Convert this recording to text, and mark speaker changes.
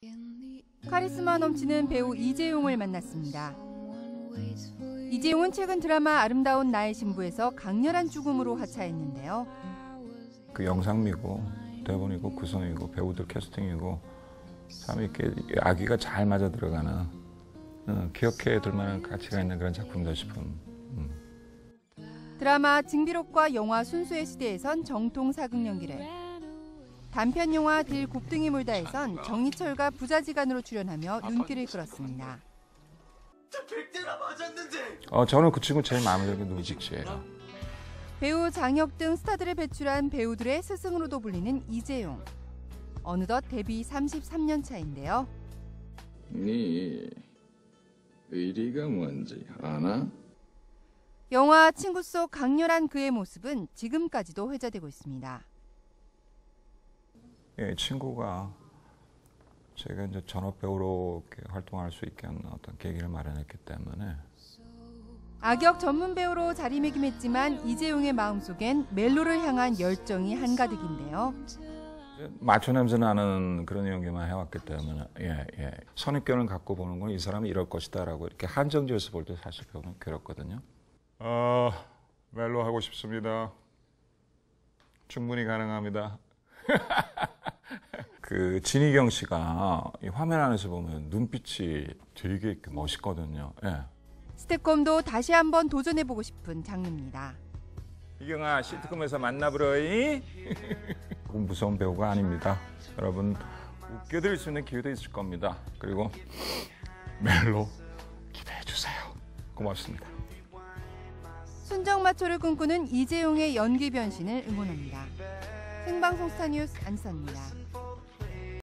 Speaker 1: 카리스마 넘치는 배우 이재용을 만났습니다. 이재용은 최근 드라마 아름다운 나의 신부에서 강렬한 죽음으로 하차했는데요.
Speaker 2: 그 영상미고 대본이고 구성이고 배우들 캐스팅이고 참 이렇게 아기가 잘 맞아 들어가는 기억해 둘 만한 가치가 있는 그런 작품이다 싶은.
Speaker 1: 드라마 징비록과 영화 순수의 시대에선 정통 사극 연기를, 단편 영화 딜 곱등이 물다에선 정희철과 부자지간으로 출연하며 눈길을 끌었습니다.
Speaker 2: 저는 그 친구 제일 마음에 드는 게 누구지 씨예요.
Speaker 1: 배우 장혁 등 스타들을 배출한 배우들의 스승으로도 불리는 이재용. 어느덧 데뷔 33년 차인데요.
Speaker 3: 네 의리가 뭔지 아나?
Speaker 1: 영화 친구 속 강렬한 그의 모습은 지금까지도 회자되고 있습니다.
Speaker 2: 예, 친구가 제가 이제 전업 배우로 이렇게 활동할 수 있게 하는 어떤 계기를 마련했기 때문에.
Speaker 1: 악역 전문 배우로 자리매김했지만 이재용의 마음속엔 멜로를 향한 열정이 한가득인데요.
Speaker 2: 마초 냄새 나는 그런 연기만 해왔기 때문에 선입견을 갖고 보는 건 이 사람이 이럴 것이다라고 이렇게 한정지어서 볼 때 사실 배우는 괴롭거든요. 멜로 하고 싶습니다. 충분히 가능합니다. 그 진희경 씨가 이 화면 안에서 보면 눈빛이 되게 멋있거든요. 예.
Speaker 1: 스태콤도 다시 한번 도전해보고 싶은 장르입니다.
Speaker 2: 희경아, 시트콤에서 만나보러이. 무서운 배우가 아닙니다. 여러분 웃겨드릴 수 있는 기회도 있을 겁니다. 그리고 멜로 기대해 주세요. 고맙습니다.
Speaker 1: 순정마초를 꿈꾸는 이재용의 연기 변신을 응원합니다. 생방송 스타뉴스 안선입니다.